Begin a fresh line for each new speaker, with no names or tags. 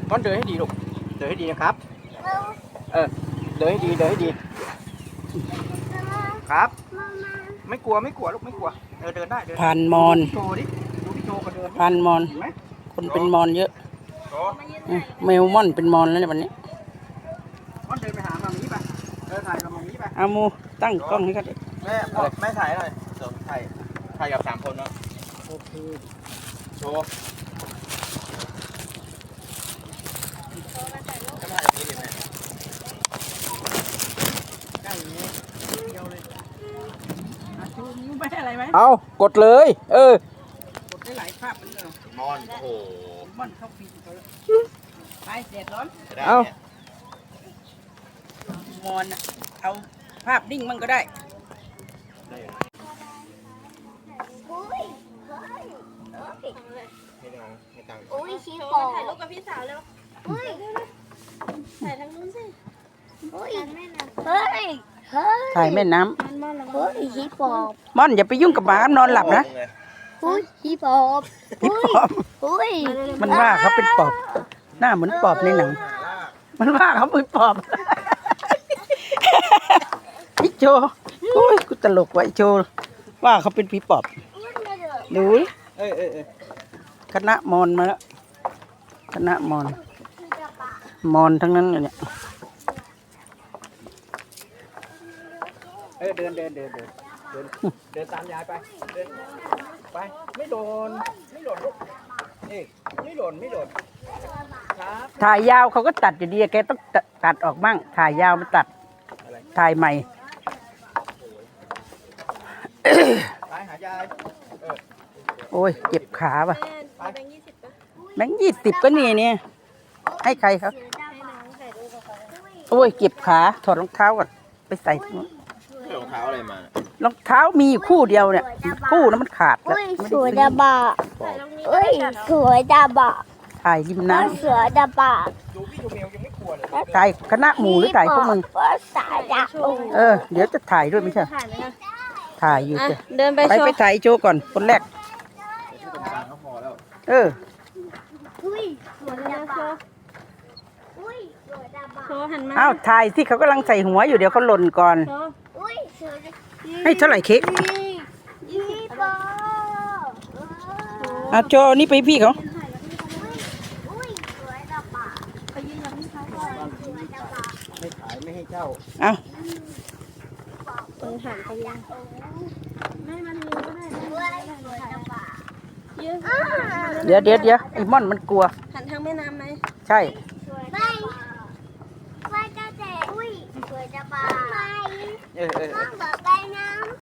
ม่อนเดินให้ดีลูกเดินให้ดีนะครับเดินให้ดีเดินให้ดีครับไม่กลัวลูกไม่กลัวเดินได้เดิน
พันมอน
โชว์ดิดูพี่โจก็เดิน
พันมอน
เห็นไหม
คนเป็นมอนเยอะแมวม่อนเป็นมอนแล้วเนี่ยวันนี้
ม่อนเดินไปหามามีป่ะถ่ายกับมามีป่ะ
อามูตั้งกล้องให้กันดิ
แม่ถ่ายหน่อยเดี๋ยวถ่ายกับ3 คนเนาะโอเคโชว์จะมาถ่ายแบบนี้ดิแม่ใกล้อย่างนี้เดียวเลย
ชูนิ้วไม่อะไรไหม
เอากดเลย
กดได้หลายภาพเหมือนกัน
มอนโอ้โห
ม่อนเข้าฟีดเขาไปเด็ดร้อน
เอา
มอนเอาภาพนิ่งมันก็ได้
โอ้ยชี้ปอถ่ายรูปกับพี่สาวแล้วถ่ายทางนู้นสิเฮ้ย
ถ่ายแม่น้
เฮ้ยชี้ปอบ
ำม่อนอย่าไปยุ่งกับหมานอนหลับนะ
เฮ้ยชี้ปอบเฮ้ย
มันว่าเขาเป็นปอบหน้าเหมือนปอบในหนังมันว่าเขาเป็นปอบไอโจโอ้ยกูตลกว่ะไอโจว่าเขาเป็นผีปอบดูคณะมอนมาแล้วคณะมอนทั้งนั้นเลยเนี่ย
เดินตามยายไปเดินไปไม่โดนลูกนี่ไม่โดนครับ
ถ่ายยาวเขาก็ตัดอยู่ดีแกต้องตัดออกบ้างถ่ายยาวมาตัดถ่ายใหม่
ไปหายาย
โอ้ยเจ็บขาป่ะแบงค์20ก็นี่เนี่ยให้ใครครับโอ้ยเจ็บขาถอดรองเท้าก่อนไปใส่
รองเท้าอะไรมาร
องเท้ามีอยู่คู่เดียวเนี่ยคู่นั้นมันขาดแล้ว
สวยดาบะเฮ้ยสวยดาบะ
ถ่ายริมน้
ำสวยดาบะ
ดูพี่ดูเมลยังไม่กลัวเลย
ถ่ายคณะหมู่หรือถ่ายพวกมึงเดี๋ยวจะถ่ายด้วยไม่ใช่ถ่ายอยู่
เดินไป
ถ่ายโจก่อนคนแรกอ้าวถ่ายที่เขากำลังใส่หัวอยู่เดี๋ยวเขาหล่นก่อนให้เท่าไหร่เค้กโจนี่ไปพี่เขา
ไม่ขายไม่ให้เจ้า
เอา
หันไปยังไม่มันมีก็ได้
เดี๋ยวไอ้ม่อนมันกลัว
หันทางแม่น้ำไหม
ใช่
ไม่เจ้าเจ๋อุ้ยสวยจะบาไม่